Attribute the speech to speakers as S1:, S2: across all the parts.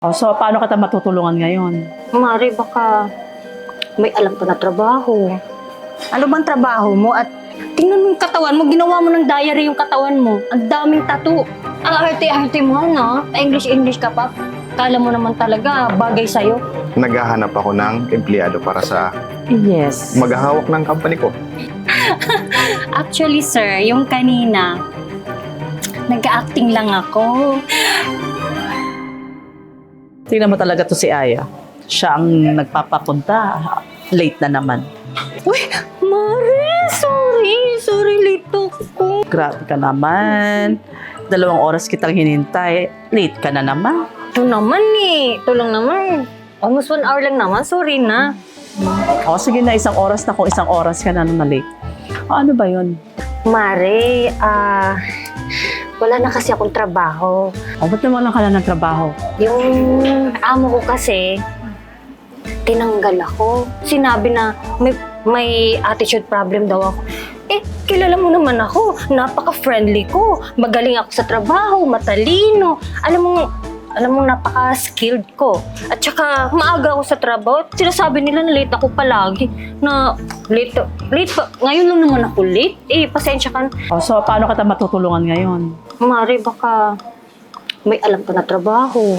S1: Oh, so, paano kita matutulungan ngayon?
S2: Mare, baka may alam ka na trabaho. Ano bang trabaho mo? At tingnan mo yung katawan mo, ginawa mo ng diary yung katawan mo. Ang daming tattoo. Ang arte-arte mo, no? English ka pa. Kala mo naman talaga, bagay sa'yo.
S3: Naghahanap ako ng empleyado para sa
S1: Yes.
S3: maghahawak ng company ko.
S2: Actually, sir, yung kanina, nag-acting lang ako.
S1: Tingnan mo talaga to si Aya. Siya ang nagpapapunta. Late na naman.
S2: Uy, Mare, sorry. Sorry, late ako.
S1: Grabe ka naman. 2 oras kitang hinintay. Late ka na naman.
S2: Ito naman eh. Ito lang naman. Almost 1 hour lang naman. Sorry na.
S1: O sige na, 1 oras na kung 1 oras ka na late. O, ano ba yun?
S2: Mare, wala na kasi akong trabaho.
S1: O, ba't naman lang ka na ng trabaho?
S2: Yung amo ko kasi, tinanggal ako. Sinabi na may attitude problem daw ako. Eh, kilala mo naman ako. Napaka-friendly ko. Magaling ako sa trabaho, matalino. Alam mo, napaka-skilled ko. At saka, maaga ako sa trabaho. Sinasabi nila na late ako palagi. Na late pa. Ngayon lang naman ako late. Eh, pasensya ka na.
S1: O, so, paano kita matutulungan ngayon?
S2: Mare, baka may alam ka na trabaho.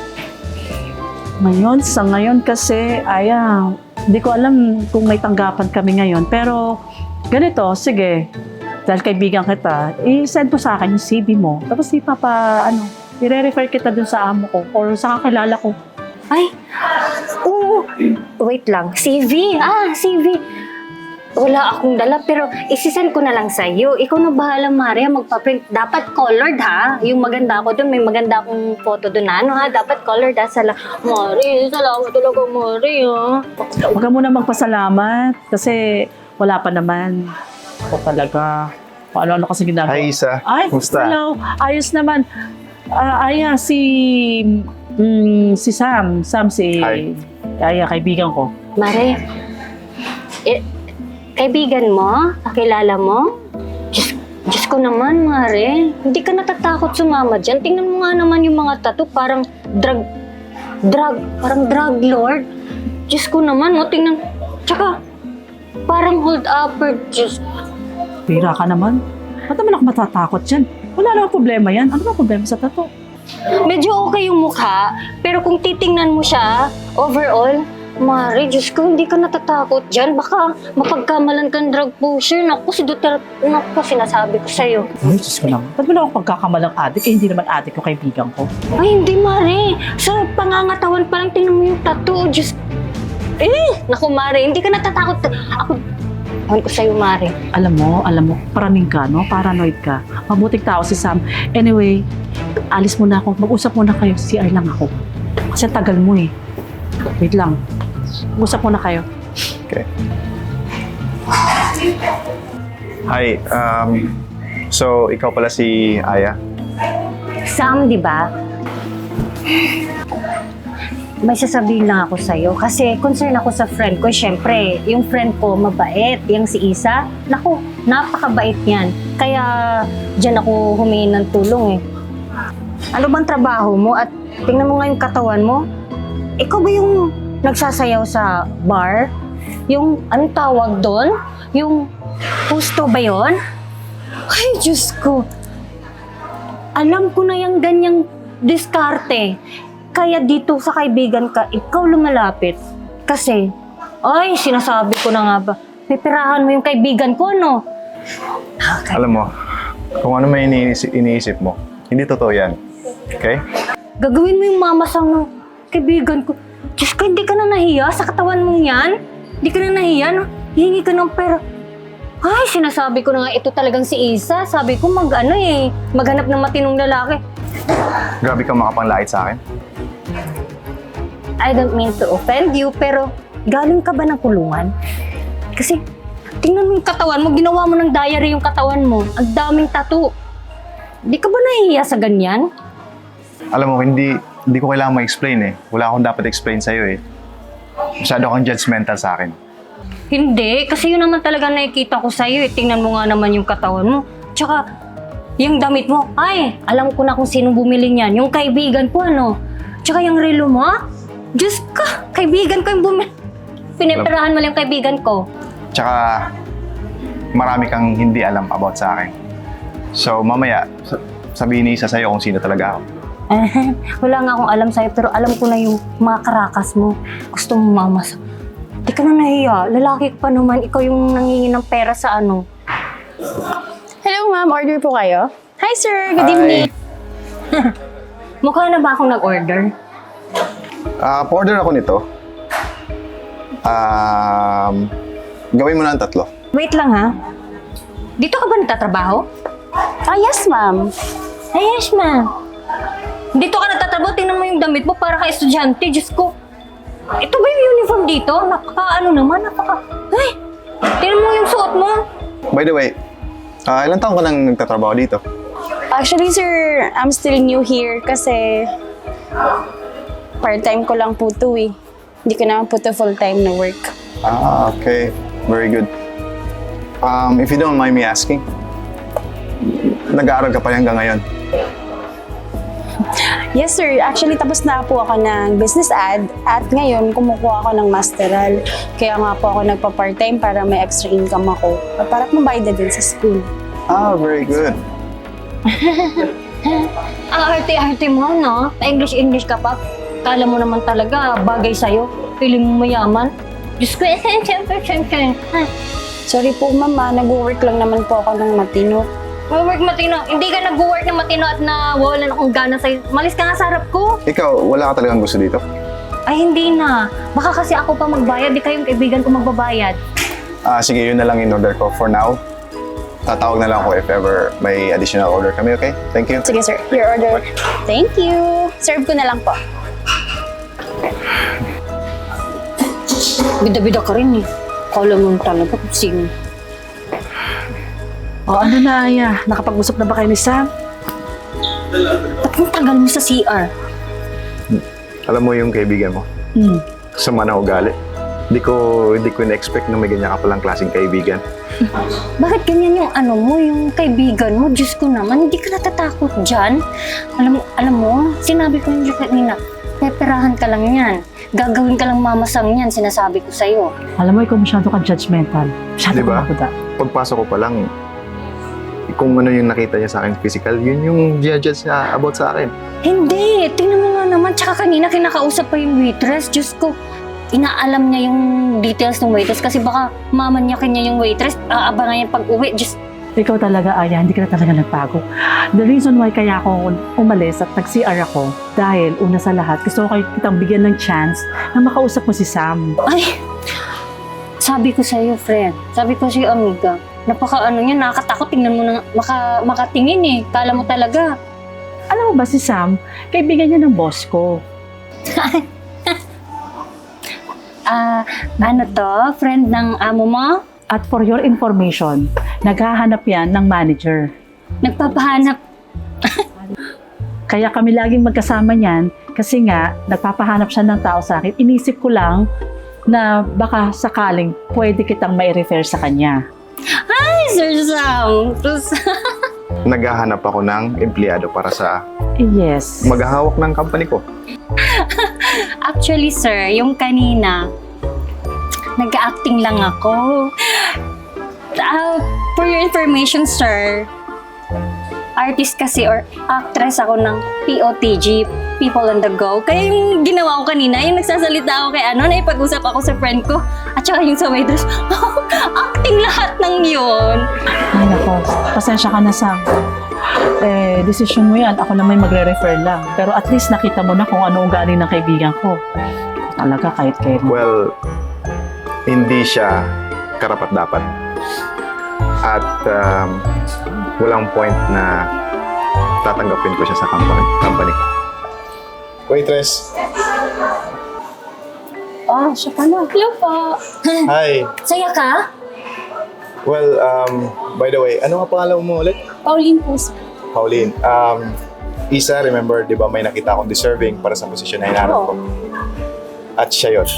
S1: Sa ngayon kasi, Aya, hindi ko alam kung may tanggapan kami ngayon. Pero, ganito, sige. Dahil kaibigan kita, i-send mo sa akin yung CV mo. Tapos i-refer kita dun sa amo ko or sa kakilala ko.
S2: Ay, oo. Wait lang. CV. CV. Wala akong dala pero isisend ko na lang sa'yo. Ikaw na bahala, Maria, magpa-print. Dapat colored, ha? Yung maganda ako dun, may maganda akong photo dun, ha? Dapat colored, ha? Maria, salamat talaga, Maria.
S1: Huwag ka muna magpasalamat kasi wala pa naman. O talaga. Ano kasi ginagawa?
S3: Hi, Isa.
S1: Ay,
S3: Kumusta?
S1: hello. Ayos naman. Aya, si Sam.
S3: Hi.
S1: Aya, kaibigan ko.
S2: Mare, kaibigan mo? Kakilala mo? Diyos ko naman, Mare. Hindi ka natatakot sumama dyan. Tingnan mo nga naman yung mga tattoo. Parang parang drug lord. Diyos ko naman, tingnan. Tsaka, parang hold upper. Diyos.
S1: Pira ka naman. Ba't naman ako matatakot dyan? Wala namang problema yan. Ano ba problema sa tato?
S2: Medyo okay yung mukha, pero kung titingnan mo siya, overall, Mare, Diyos ko, hindi ka natatakot dyan. Baka mapagkamalan kang drug pusher. Naku, si Duterte, sinasabi ko sa'yo.
S1: Ay, Diyos ko naman. Ba't mo na ako pagkakamalang adik? Hindi naman adik yung kaibigan ko.
S2: Ay, hindi, Mare. Sa pangangatawan pa lang, tingnan mo yung tattoo. Diyos. Naku, Mare, hindi ka natatakot. Ewan ko sa'yo, Mare.
S1: Alam mo, paraning ka, no? Paranoid ka. Mabuting tao si Sam. Anyway, alis muna ako. Mag-usap muna kayo. CR lang ako. Kasi tagal mo eh. Wait lang. Mag-usap muna kayo.
S3: Okay. Hi, so ikaw pala si Aya?
S2: Sam, di ba? May sasabihin lang ako sa'yo kasi concern ako sa friend ko. Siyempre, yung friend ko mabait. Yung si Isa, naku, napakabait yan. Kaya dyan ako humingi ng tulong eh. Ano bang trabaho mo? At tingnan mo nga yung katawan mo. Ikaw ba yung nagsasayaw sa bar? Yung, anong tawag doon? Yung husto ba yon? Ay, Diyos ko. Alam ko na yung ganyang diskarte. Kaya dito sa kaibigan ka, ikaw lumalapit. Kasi, ay, sinasabi ko na nga ba, pipirahan mo yung kaibigan ko, no? Okay.
S3: Alam mo, kung ano may iniisip mo, hindi totoo yan. Okay?
S2: Gagawin mo yung mamasang ng kaibigan ko. Diyos ko, hindi ka na nahiya sa katawan mong yan? Hindi ka na nahiya, no? Hihingi ka ng pera. Ay, sinasabi ko na nga, ito talagang si Isa. Sabi ko, maghanap ng matinong lalaki.
S3: Grabe kang makapanglait sa akin.
S2: I don't mean to offend you, pero galing ka ba ng kulungan? Kasi, tingnan mo yung katawan mo, ginawa mo ng diary yung katawan mo. Ang daming tattoo. Di ka ba nahihiya sa ganyan?
S3: Alam mo, hindi ko kailangan ma-explain eh. Wala akong dapat explain sa'yo eh. Masyado kang judgmental sa akin.
S2: Hindi, kasi yun naman talaga nakikita ko sa'yo eh. Tingnan mo nga naman yung katawan mo. Tsaka, yung damit mo, ay, alam ko na kung sino bumili niyan. Yung kaibigan ko, ano. Tsaka yung relo mo? Diyos ka, kaibigan ko yung pinipirahan mo lang yung kaibigan ko.
S3: Tsaka, marami kang hindi alam about sa akin. So, mamaya, sabihin ni Isa sa'yo kung sino talaga ako.
S2: Wala nga akong alam sa'yo, pero alam ko na yung mga karakas mo. Gusto mo mamas. Di ka na nahiya. Lalaki ka pa naman. Ikaw yung nangingi ng pera sa ano.
S4: Hello ma'am, order po kayo? Hi sir, good
S3: Hi.
S4: evening.
S2: Mukha na ba akong nag-order?
S3: Pa-order ako nito. Gawin mo na ang 3.
S2: Wait lang ha. Dito ka ba nagtatrabaho?
S4: Ah yes ma'am.
S2: Ay, yes, ma'am. Dito ka nagtatrabaho, tingnan mo yung damit mo para ka estudyante. Diyos ko. Ito ba yung uniform dito? Ay! Tingnan mo yung suot mo.
S3: By the way, ilang taon ka nang nagtatrabaho dito?
S4: Actually sir, I'm still new here kasi part-time ko lang po to eh. Hindi ko naman po to full-time na work.
S3: Okay. Very good. If you don't mind me asking, nag-aaral ka pa rin hanggang ngayon?
S4: Yes sir, actually tapos na po ako ng business ad at ngayon kumukuha ako ng masteral. Kaya nga po ako nagpa-part-time para may extra income ako. Para mabayad na din sa school.
S3: Very good.
S2: Ang arte-arte mo, no? Pa-English ka pa. Kala mo naman talaga, bagay sa'yo. Feeling mo mayaman. Diyos ko, siyempre.
S4: Sorry po mama, nag-work lang naman po ako ng matino.
S2: Work matino. Hindi ka nag-work na matino at nawawalan akong gana sa'yo. Malis ka nga sa harap ko.
S3: Ikaw, wala ka talagang gusto dito?
S2: Ay, hindi na. Baka kasi ako pa magbayad, di kayong kaibigan ko magbabayad.
S3: Sige, yun na lang in order ko for now. Tatawag na lang ako if ever may additional order kami, okay? Thank you.
S4: Sige sir, your order. Thank you. Serve ko na lang po.
S2: Bida-bida ka rin eh. Kala mo talaga kung sino.
S1: O ano na, Aya? Nakapag-usap na ba kayo ni Sam?
S2: Ba't ang tagal mo sa CR?
S3: Alam mo yung kaibigan mo, sama na ugali. Hindi ko na-expect na may ganyan ka palang klaseng kaibigan.
S2: Bakit ganyan yung yung kaibigan mo? Diyos ko naman, hindi ka natatakot dyan. Alam mo, sinabi ko yung kanina, peperahan ka lang yan. Gagawin ka lang mamasang yan, sinasabi ko sa'yo.
S1: Alam mo, ikaw masyado ka judgmental. Masyado
S3: Diba?
S1: ka makuda.
S3: Pagpasok ko pa lang, kung ano yung nakita niya sa akin physical, yun yung judge niya about sa akin.
S2: Hindi, tingnan mo nga naman. Tsaka kanina kinakausap pa yung waitress. Diyos ko, inaalam niya yung details ng waitress kasi baka mamanyakin niya yung waitress. Aabangan niya pag-uwi. Diyos,
S1: Ikaw talaga, Aya, hindi ka na talaga nagbago. The reason why kaya ako umalis at nag-CR ako, dahil una sa lahat, gusto ko kitang bigyan ng chance na makausap mo si Sam.
S2: ay, sabi ko sa'yo, friend. Sabi ko sa'yo, amiga. Niya, nakakatakot. Tingnan mo na, makatingin eh. Kala mo talaga.
S1: Alam mo ba si Sam, kaibigan niya ng boss ko.
S2: Ano to? Friend ng amo mo?
S1: At for your information, naghahanap yan ng manager.
S2: Nagpapahanap.
S1: Kaya kami laging magkasama niyan kasi nga nagpapahanap siya ng tao sa akin. Inisip ko lang na baka sakaling pwede kitang mai-refer sa kanya.
S2: Ay, Sir Sam.
S3: Naghahanap ako ng empleyado para sa
S1: Yes.
S3: maghahawak ng company ko.
S2: Actually, sir, yung kanina, nag-acting lang ako. For your information, sir, artist kasi or actress ako ng POTG, People on the Go. Kaya yung ginawa ko kanina, yung nagsasalita ako kay naipag-usap ako sa friend ko, at saka yung sa waitress, acting lahat ng yun.
S1: Ay nako, pasensya ka na Sam. Decision mo yan. Ako naman magre-refer lang. Pero at least nakita mo na kung ano ugali ng kaibigan ko. Talaga kahit kayo.
S3: Well, hindi siya karapat-dapat. At walang point na tatanggapin ko siya sa company. Waitress.
S4: Siya pala.
S2: Hello po.
S3: Hi.
S2: Saya ka?
S3: Well, by the way, ano nga pangalan mo ulit?
S4: Pauline po.
S3: Pauline. Isa, remember, di ba may nakita akong deserving para sa posisyon na hinahanap ko? At siya yun.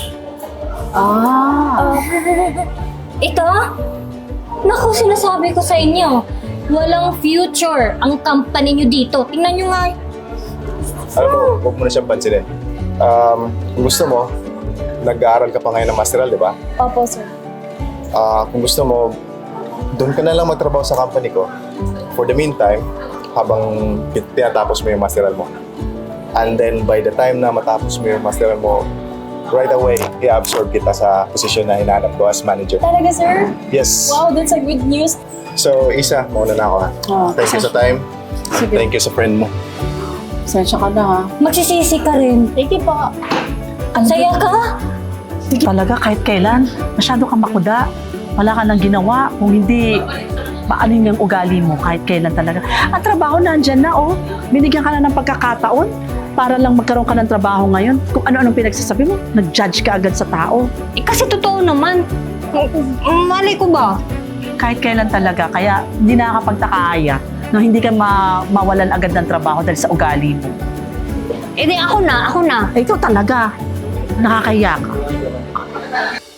S2: Ito? Naku, sinasabi ko sa inyo, walang future ang company nyo dito. Tingnan nyo nga.
S3: Alam mo, huwag mo na siyang pansinin. Kung gusto mo, nag-aaral ka pa ngayon ng masteral, di ba?
S4: Opo, sir.
S3: Kung gusto mo, doon ka na lang magtrabaho sa company ko. For the meantime, habang tinatapos mo yung masteral mo. And then, by the time na matapos mo yung masteral mo, right away, i-absorb kita sa posisyon na hinahanap ko as manager.
S4: Talaga, sir?
S3: Yes.
S4: Wow, that's a good news.
S3: So, Isa, mauna na ako ha.
S1: Oh,
S3: Thank you sa time.
S1: Sige.
S3: Thank you sa friend mo.
S1: Sensya ka na ha.
S2: Magsisisi ka rin.
S4: Thank you po.
S2: Ang saya ka.
S1: Talaga, kahit kailan, masyado kang makuda. Wala ka nang ginawa. Kung hindi, paanin yung ugali mo kahit kailan talaga. Ang trabaho nandyan na, oh. Binigyan ka na ng pagkakataon para lang magkaroon ka ng trabaho ngayon. Kung ano-anong pinagsasabi mo, nag-judge ka agad sa tao.
S2: Eh, kasi totoo naman. Malay ko ba?
S1: Kahit kailan talaga. Kaya hindi nakakapagtakaaya na hindi ka mawalan agad ng trabaho dahil sa ugali mo.
S2: Eh, di ako na.
S1: Eh, ikaw talaga, nakakahiya ka.